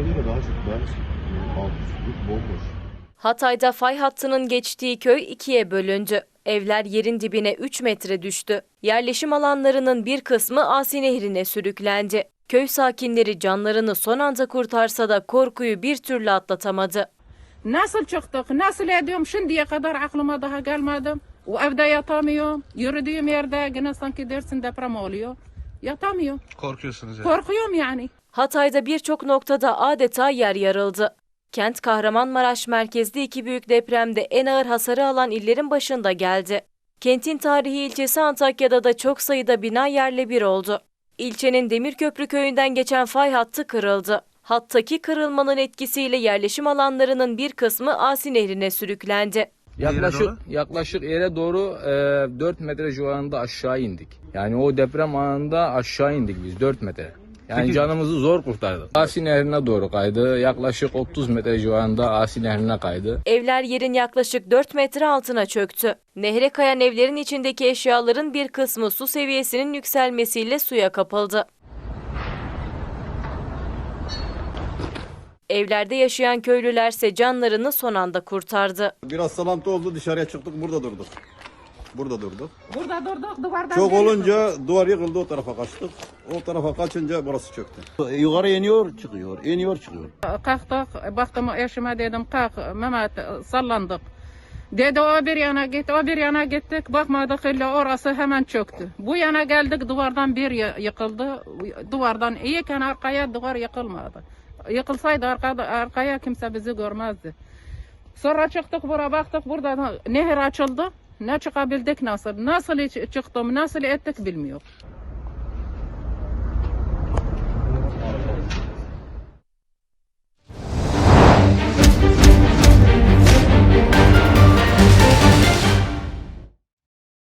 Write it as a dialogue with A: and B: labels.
A: göre daha çok ben alt üstlük bomboş.
B: Hatay'da fay hattının geçtiği köy ikiye bölündü. Evler yerin dibine 3 metre düştü. Yerleşim alanlarının bir kısmı Asi Nehri'ne sürüklendi. Köy sakinleri canlarını son anda kurtarsa da korkuyu bir türlü atlatamadı.
C: Nasıl çıktık, nasıl ediyorum şimdiye kadar aklıma daha gelmedi. O evde yatamıyorum. Yürüdüğüm yerde yine sanki dersin deprem oluyor. Yatamıyorum.
D: Korkuyorsunuz yani.
C: Korkuyorum yani.
B: Hatay'da birçok noktada adeta yer yarıldı. Kent Kahramanmaraş merkezli iki büyük depremde en ağır hasarı alan illerin başında geldi. Kentin tarihi ilçesi Antakya'da da çok sayıda bina yerle bir oldu. İlçenin Demirköprü köyünden geçen fay hattı kırıldı. Hattaki kırılmanın etkisiyle yerleşim alanlarının bir kısmı Asi Nehri'ne sürüklendi.
E: Yaklaşık yere doğru 4 metre civarında aşağı indik. Yani o deprem anında aşağı indik biz 4 metre. Yani canımızı zor kurtardık. Asi Nehri'ne doğru kaydı. Yaklaşık 30 metre civarında Asi Nehri'ne kaydı.
B: Evler yerin yaklaşık 4 metre altına çöktü. Nehre kayan evlerin içindeki eşyaların bir kısmı su seviyesinin yükselmesiyle suya kapıldı. Evlerde yaşayan köylülerse canlarını son anda kurtardı.
F: Biraz salantı oldu, dışarıya çıktık, burada durduk. Burada durduk.
C: Burada durduk duvardan.
F: Çok olunca duvar yıkıldı, o tarafa kaçtık. O tarafa kaçınca burası çöktü.
A: Yukarı iniyor çıkıyor, iniyor çıkıyor.
C: Kalktık, baktım eşime dedim kalk Mehmet sallandık. Dedi o bir yana git, o bir yana gittik. Bakmadık illa orası hemen çöktü. Bu yana geldik duvardan bir yıkıldı. Duvardan iyiken arkaya duvar yıkılmadı. Yıkılsaydı arkaya kimse bizi görmezdi. Sonra çıktık buraya baktık burada nehir açıldı. Ne çıkabildik nasıl? Nasıl çıktım, nasıl ettik bilmiyorum.